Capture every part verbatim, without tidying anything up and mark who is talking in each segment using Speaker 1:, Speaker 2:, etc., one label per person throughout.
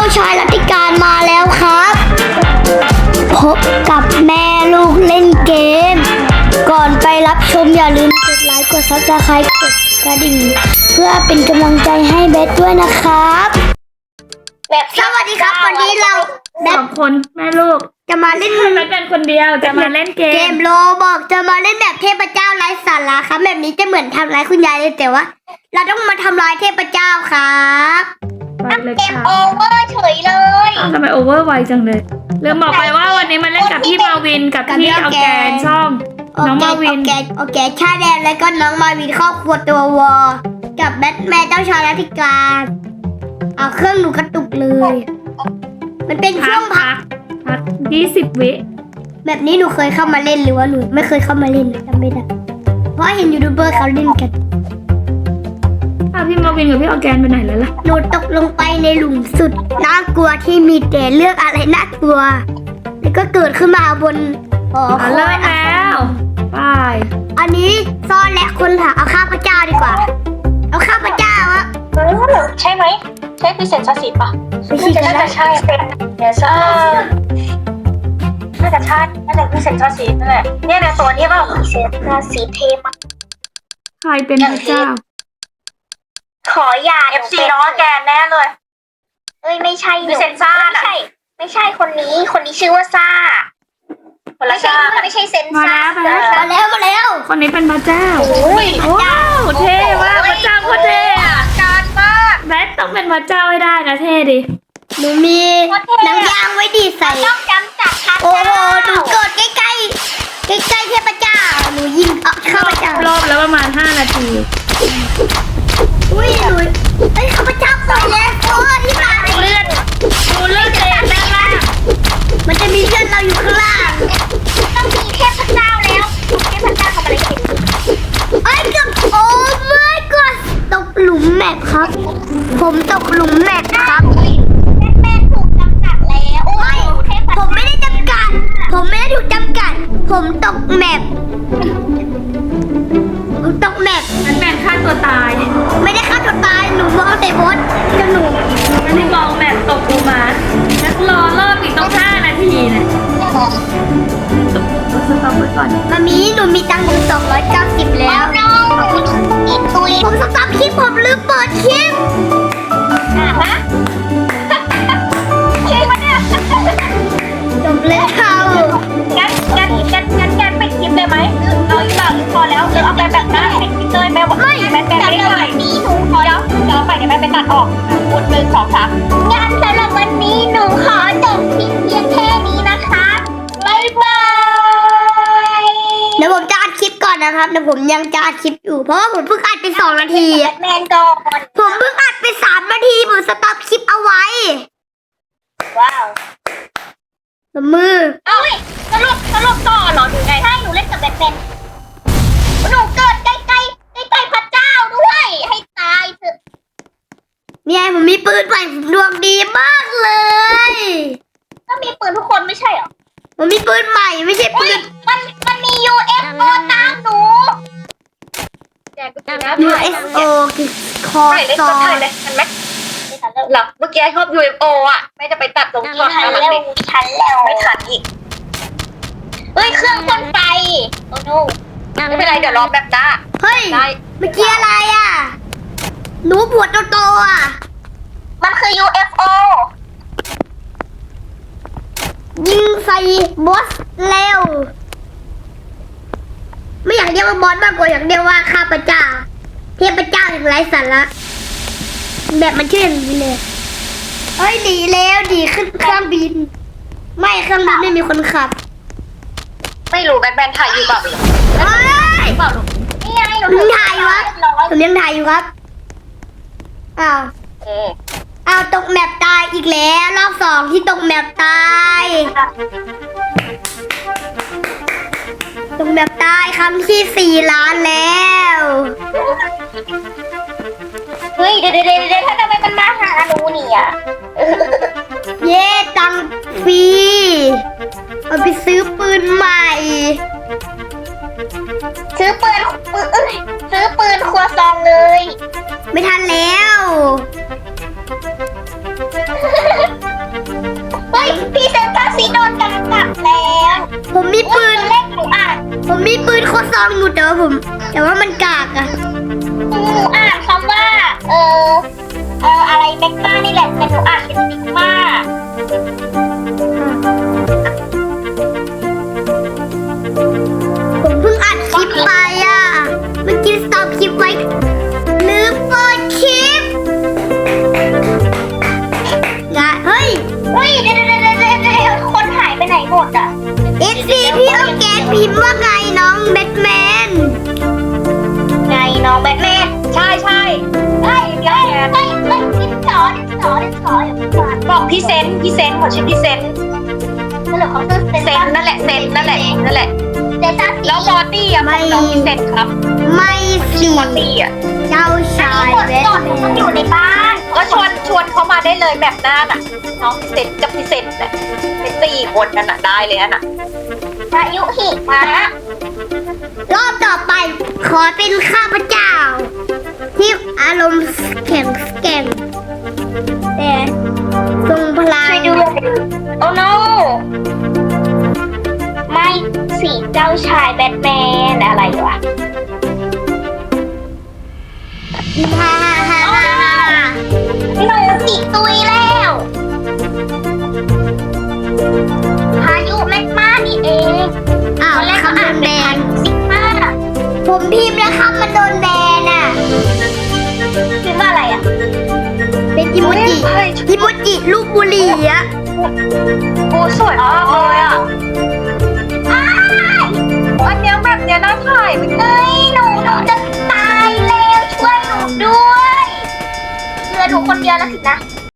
Speaker 1: ชายรัติการมาแล้วครับพบกับแม่ลูกเล่นเกมก่อนไปรับชมอย่าลืมกดไลค์กดซับสไครต์กดกระดิ่งเพื่อเป็นกำลังใจให้เบสด้วยนะครับแบบสวัสดีครับวันนี้เรา
Speaker 2: สองคนแม่ลูก
Speaker 1: จะมาเล่น
Speaker 2: ไม่เป็นคนเดียวจะมาเล่นเกม
Speaker 1: เกมโลบอกจะมาเล่นแบบเทพเจ้าไร้สาระครับแบบนี้จะเหมือนทำร้ายคุณยายเลยแต่ว่าเราต้องมาทำร้ายเทพเจ้าครับ
Speaker 2: เกม
Speaker 1: โอเวอร์เฉยเลย
Speaker 2: ทำไมโอเวอร์ไวจังเลยลืมบอกไปว่าวันนี้มาเล่นกับพี่มาวินกับพี่ออแกนช่องน้องมาวิน
Speaker 1: โอเคโอเคชาแดนแล้วก็น้องมาวินครอบครัวตัววอกับแบทแมนเจ้าชายรัติการเอาเครื่องหนูกระตุกเลยมันเป็นช่วงพัก
Speaker 2: พักยี่สิบวิ
Speaker 1: แบบนี้หนูเคยเข้ามาเล่นหรือว่าหนูไม่เคยเข้ามาเล่นจำไม่ได้เพราะเห็นยูทูบเบอร์เขาเล่นกัน
Speaker 2: อ้าวพี่มาวินกับพี่ออแกนไปไหนแล้วล่ะ
Speaker 1: หนูตกลงไปในหลุมสุดน่ากลัวที่มีแต่เรื่องอะไรน่ากลัวแล้วก็เกิดขึ้นมาบน
Speaker 2: หอคอยแล้วไป
Speaker 1: อันนี้ซ่อนและคนหาเอาข้าพเจ้าดีกว่าเอาข้าพเจ้าอะ
Speaker 3: ใช่ไหมใช่พิเศษชาสีป่ะ
Speaker 1: ไม่ใช่
Speaker 3: น่าจะใช่เดี๋ยวซ่าน่าจะใช่น่าจะพิเศษชาสีนั่นแหละเนี่ยนะตัวนี้เปล่าพิเศษชาสีเทม
Speaker 2: ใครเป็นพระเจ้า
Speaker 3: ขออย่าเอฟซีน้องแกนแน่เลยเอ้ยไม่ใช่พิเศษซ่าไม่ใช่ไม่ใช่คนนี้คนนี้ชื่อว่าซ่าคนละซ่าไม่ใช่เซนซ่า
Speaker 1: มาแล้วมาแล้ว
Speaker 2: คนนี้เป็นพระเจ้า
Speaker 3: โอ้ย
Speaker 2: ว้าวเท่มากพระเจ้าโคตรเท่อะ
Speaker 3: การมาก
Speaker 2: แบทต้องเป็นพระเจ้าให้ได้นะเท่ดิ
Speaker 1: หนูมีน้ำยางไว้ดีใส่
Speaker 3: ต้องจำจัดค่ะ
Speaker 1: โอ้โหหนูกดใกล้ใกล้ใกล้ใกล้เทพเจ้าหนูยิงเอาข้าพเจ้าร
Speaker 2: อบแล้วประมาณห้านาที
Speaker 1: อุ้ยหนูเอ้ยข้าพเจ้าปล่อยแล้วโอ้ที่มา
Speaker 2: เลือดดูเลือดเต็มด้านล่าง
Speaker 1: มันจะมีเพื่อนเราอยู่ข้างล่าง
Speaker 3: ต้องมีเทพเจ้าแล้วเทพเจ้าทำอะไรกิน
Speaker 1: ไอ้กับโอ้ my god ตกหลุมแมปครับผมตกหลุมแมปครับ
Speaker 3: แม่ถูกจำกัดแล้วโอ้ย
Speaker 1: ผมไม่ได้จำกัดผมไม่ได้ถูกจำกัดผมตกแมปผมตกแมป
Speaker 2: นั่นแมปฆ่าตัวตาย
Speaker 1: ไม่ได้ฆ่าตัวตายหนูมองแต่บอสจะหนู
Speaker 2: นั่นมองแมปตกลงมานักรอรอบอีกต้องห้านาทีนะสต็อปไว้ก่อน
Speaker 1: มามีหนูมีตังค์อยู่สองร้อยเก้าสิบแล้วผมสต็อปคลิปผมลืมเปิดคลิป
Speaker 3: อ่ะฮะคลิปมันเนี่ย
Speaker 1: จบแล้ว
Speaker 3: งั้นงั้นงั้นงั้นงั้นไปคลิปเลยไหมเอาอีกแบบพอแล้วเอาไปแบบนั้นไปคลิปเลยแม่บอกไม่แม่แม่ไม่ได้เลยนี้หนูขอเดี๋ยวเดี๋ยวไปเดี๋ยวแม่ไปตัดออกพูดหนึ่งสองสามงานสำหรับวันนี้หนูขอจบคลิปเพียงแค่นี้นะคะบ๊ายบาย
Speaker 1: เดี๋ยวผมจะอัดคลิปก่อนนะครับเดี๋ยวผมยังจะอัดคลิปอยู่เพราะว่าผมเพิ่งอัดไปสองนาที
Speaker 3: แมนก่อน
Speaker 1: ผมเพิ่งอัดไปสามนาทีผมสต็อปคลิปเอาไว้
Speaker 3: ว้าว
Speaker 1: มือ
Speaker 3: เอ้ยสรุปสรุปต่อเหรอหนูไงใช่หนูเล่นกับแบทแมนหนูเกิดใกล้ใกล้ใกล้ใกล้พระเจ้าด้วยให้ตายเถอะ
Speaker 1: เนี่ยผมมีปืนใหม่ดวงดีมากเลย
Speaker 3: ก็มีปืนทุกคนไม่ใช่เหรอ
Speaker 1: ผมมีปืนใหม่ไม่ใช่ปืน
Speaker 3: มันมันมี ยู เอฟ โอ ตามหนู
Speaker 1: ยู เอฟ โอ คือคอซอ
Speaker 3: นเลยทันไหมไม่ทันแล้วหรอเมื่อกี้ชอบ ยู เอฟ โอ อ่ะไม่จะไปตัดตรงช็อตนั้นเลยทันแล้วไม่ทันอีกเฮ้ยเครื่องพ่นไฟโอ้โนไม่เป็นไรเดี๋ยวรอแบบน้า
Speaker 1: เฮ้ยเมื่อกี้อะไรอ่ะหนูปวดโตๆอ่ะ
Speaker 3: มันคือ ยู เอฟ โอ
Speaker 1: ยิงใส่บอสเร็วไม่อยากเรียกว่าบอสมากกว่าอยากเรียกว่าข้าพเจ้าเทพเจ้าอย่างไร้สาระแบบมันชื่ออย่างนี้เลยเฮ้ยดีแล้วดีขึ้นเครื่องบินไม่เครื่องบินไม่มีคนขับ
Speaker 3: ไม่รู้แบทแมนถ่ายอยู่เปล่า
Speaker 1: เฮ้ย
Speaker 3: เปล่าหรอนี่ไงหนู
Speaker 1: ถ่ายอยู่ครับหนูยังถ่ายอยู่ครับอ้าวอ้าวตกแมปตายอีกแล้วรอบสองที่ตกแมปตายตกแมปตายครั้งที่สี่ล้านแล้ว
Speaker 3: เฮ้ยเดี๋ยวเดี๋ยวเดี๋ยวถ้าทำไมมันมาหาหนูเนี่ย
Speaker 1: เย่ตังฟรีเอาไปซื้อปืนใหม่
Speaker 3: ซื้อปืนซื้อปืนครัวซองเลย
Speaker 1: ไม่ทันแล้วองอยู่แต่ว่าผมแต่ว่ามันกากอะ
Speaker 3: หนูอ่านคำว่า เออเอออะไรแมกมานี่แหละแต่หนูอ่านเป็นซิกมา
Speaker 1: ผมเพิ่งอัดคลิปไปอะเมื่อกี้สต็อปคลิปไว้ลืมเปิดคลิปงะเฮ้ย
Speaker 3: เฮ้ยเดี๋ยวเดี๋ยวเดี๋ยวเดี๋ยวเดี๋ยวคนหายไปไหนหมดอ่ะ
Speaker 1: เอฟซีพี่เอาแกนพิมพ์ว่าไงน้องแบทแมน
Speaker 3: ไงน้องแบทแมนใช่ใช่เฮ้ยเดี๋ยวเฮ้ยเฮ้ยเฮ้ยดิสอดิสอดิสอบอกพี่เซนพี่เซนเขาชื่อพี่เซนนั่นแหละเขาชื่อเซนนั่นแหละเซนนั่นแหละนั่นแหละเซนแล้วมอร์ตี้อ่ะของน้องพี่เซนครับ
Speaker 1: ไม่สิ
Speaker 3: มอร์ตี้อ่ะ
Speaker 1: เจ้าชายแบทแมน
Speaker 3: อยู่ในบ้านก็ชวนชวนเขามาได้เลยแบบหน้าน่ะน้องพี่เซนกับพี่เซนเนี่ยเป็นสี่คนนั่นน่ะได้เลยน่ะพายุหิมะ
Speaker 1: รอบต่อไปขอเป็นข้าพเจ้า ที่อารมณ์แข็งแกร่งแต่ทรงพลัง
Speaker 3: ช่วยดูโอ้ no ไม่สีเจ้าชายแบทแมนอะไรวะ
Speaker 1: ฮ่าฮ่าฮ่าฮ่าฮ่า
Speaker 3: หนูสีตุยแล้วพายุแมกมานี่เอง
Speaker 1: อ้าว
Speaker 3: ตอนแรก
Speaker 1: คำโด
Speaker 3: อ่าน
Speaker 1: นแบ
Speaker 3: เป็น
Speaker 1: น
Speaker 3: ซิกมา
Speaker 1: ผมพิมพ์แล้วคำมันโดนแบนอ่ะ
Speaker 3: คิดว่าอะไรอ่ะ
Speaker 1: เป็นอิโมจิอิโมจิลูกบุหรี่อะ
Speaker 3: โอ้สวยมากเลยอ่ะอ้ายอันเนี้ยแบบเนี้ยน่าถ่ายไปเลยหนูหนูจะตายแล้วช่วยหนูด้วยเหลือหนูคนเดียวแล้วสินะ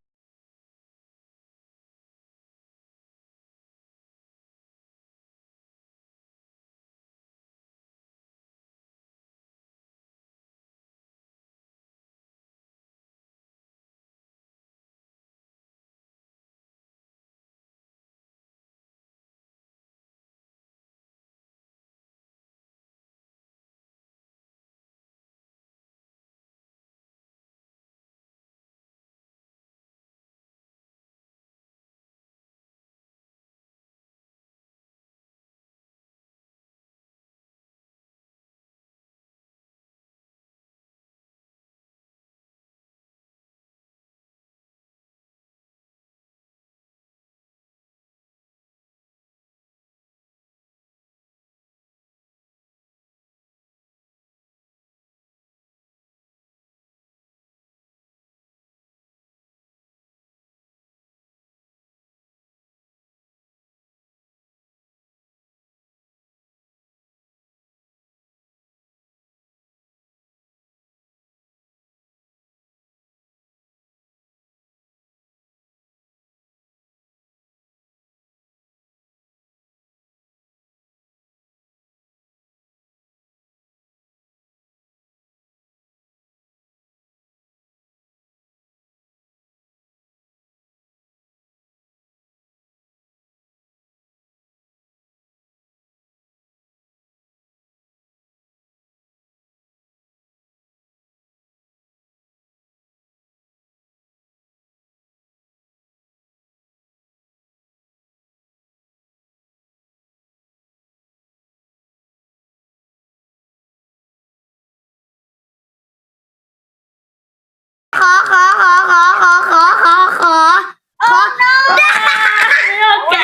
Speaker 1: ขอขอขอขอขอขอขอขอขอ
Speaker 2: ไม่โอเค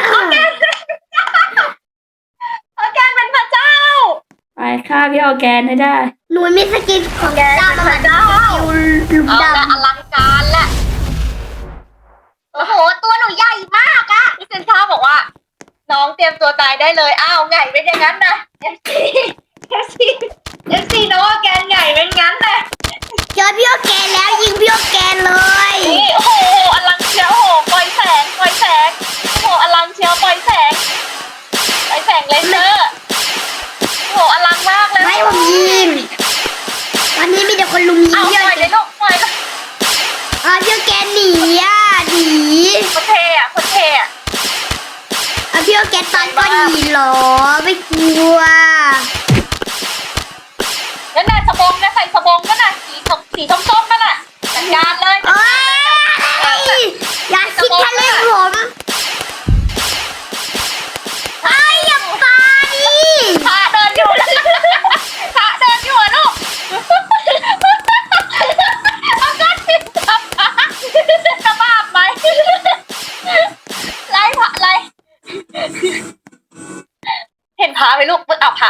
Speaker 3: อาการเป็นพระเจ้า
Speaker 2: ไปฆ่าพี่ออร์แกนให้ได้
Speaker 1: หนูมีสกินของเจ้ามาดูหลุม
Speaker 3: เอา
Speaker 1: ด
Speaker 3: ละอลังการแหละโอ้โห ตัวหนูใหญ่มากอะพี่เซนท่าบอกว่า น้องเตรียมตัวตายได้เลย อ้าวไงเป็นอย่างนั้นนะเอฟซีเอฟซีเอฟซีน้องแกนไงเป็นงั้นนะ
Speaker 1: ำเจอพี่โอแกนแล้วยิงพี่โอแกนเลย
Speaker 3: นี่โอ้โหอลังเชียวโอ้โหปล่อยแสงปล่อยแสงโอ้โหอลังเชียวปล่อยแสงปล่อยแสงเลเซอร์โอ้โหอลังมากเลย
Speaker 1: ไม่ผมยิงวันนี้มีแต่คนลุมยิง
Speaker 3: เอา
Speaker 1: พี่
Speaker 3: ป
Speaker 1: โอ
Speaker 3: ล่อย
Speaker 1: แก
Speaker 3: เลย
Speaker 1: น
Speaker 3: ลูกปล่อยเลย
Speaker 1: อ่ะพี่โอแกนหนีอ่ะหนี
Speaker 3: คนเทอะคนเทอะ
Speaker 1: อ่ะพี่โอแกนตอนก็หนีเหรอไม่กลัว
Speaker 3: นั่นน่ะสบงนะใส่สบงนั่นน่ะสีส้มสีส้มๆนั่นน่ะจัดการเลย
Speaker 1: เอ้ยอย่าคิดทะเลนผมไอ้ยอย่าไป
Speaker 3: พาเดินอยู่แล้ว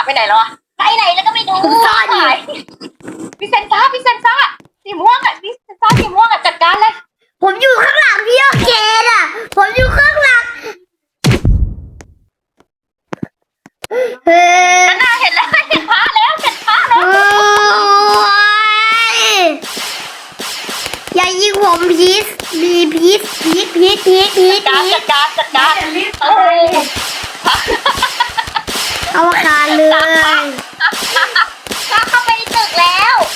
Speaker 3: ไปไหนแล้วอะไปไหนแล้วก็ไม่ดู
Speaker 1: ซ่อนอยู่
Speaker 3: พี่เซนซ่าพี่เซนซ่าสีม่วงอะพี่เซนซ่าสีม่วงอะจัดการเลย
Speaker 1: ผมอยู่ข้างหลังพี่โอเคน่ะ ผมอยู่ข้างหลังเฮ้ย
Speaker 3: นั่นน่ะเห็นแล้วเห็นพระแล้วเห็นพระแล้ว
Speaker 1: โอ้ยอย่ายิงผมพีชมีพีชพีชพีชพีชพีช
Speaker 3: จัด
Speaker 1: พี
Speaker 3: การ
Speaker 1: ช
Speaker 3: จัดการจัดการ
Speaker 2: อย่ารีบ
Speaker 3: โอ้ย
Speaker 1: เอาคาเลย
Speaker 3: พระเข้าไปในตึกแล้ว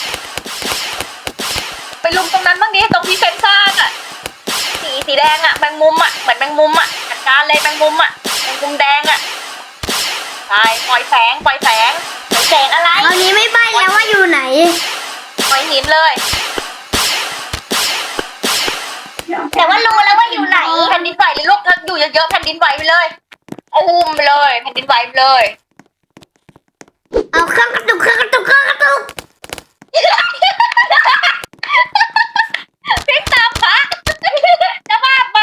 Speaker 3: ไปลุมตรงนั้นบ้างดิตรงที่เซนซ่าอะสีสีแดงอะแมงมุมอะเหมือนแมงมุมอะจัดการเลยแมงมุมอะแมงมุมแดงอะใช่ปล่อยแสงปล่อยแสงปล่อยแสงอะไร
Speaker 1: คราวนี้ไม่ใบ้แล้วว่าอยู่ไหน
Speaker 3: ปล่อยหินเลย แต่ว่ารู้แล้วว่าอยู่ไหนแผ่นดินไหวเลยลูกถ้าอยู่เยอะๆแผ่นดินไหวไปเลยอุ้มไปเลยแผ่นดินไหวไปเลย
Speaker 1: เอาเครื่องกระตุกเครื่องกระตุกเครื่องกระตุก
Speaker 3: พริกตามพระจะบาปไหม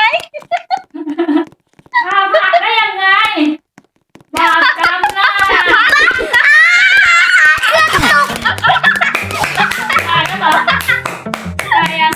Speaker 2: ข้าวผัดได้ยังไงบาปกรรมนะตายแล้วเหรอตายยัง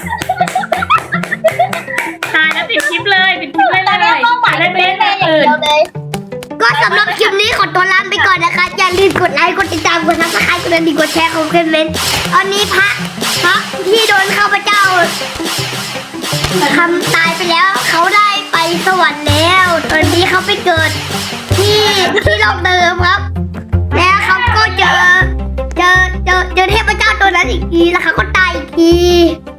Speaker 2: ตายแล้วปิดคลิปเลยปิดคลิปเลย
Speaker 3: ตอน
Speaker 2: เล
Speaker 3: นี้
Speaker 2: ย
Speaker 3: เป้าหมาย
Speaker 2: เล่น
Speaker 3: เป็
Speaker 2: เล่
Speaker 3: น
Speaker 2: น
Speaker 3: แม่อย่าง
Speaker 2: อื่น
Speaker 3: เดียวเลย
Speaker 1: ก็สำหรับคลิปนี้ขอตัวลาไปก่อนนะคะ อย่าลืมกดไลค์กดติดตามกดซับสไครต์กดกระดิ่งกดแชร์ของเพื่อนเมนตอนนี้พระพระที่โดนข้าพเจ้าทำตายไปแล้วเขาได้ไปสวรรค์แล้ว ตอนนี้เขาไปเกิดที่ที่โลกเดิมครับ แล้วเขาก็เจอเจอเจอเจอเทพเจ้าตัวนั้นอีกทีแล้วเขาก็ตายอีกที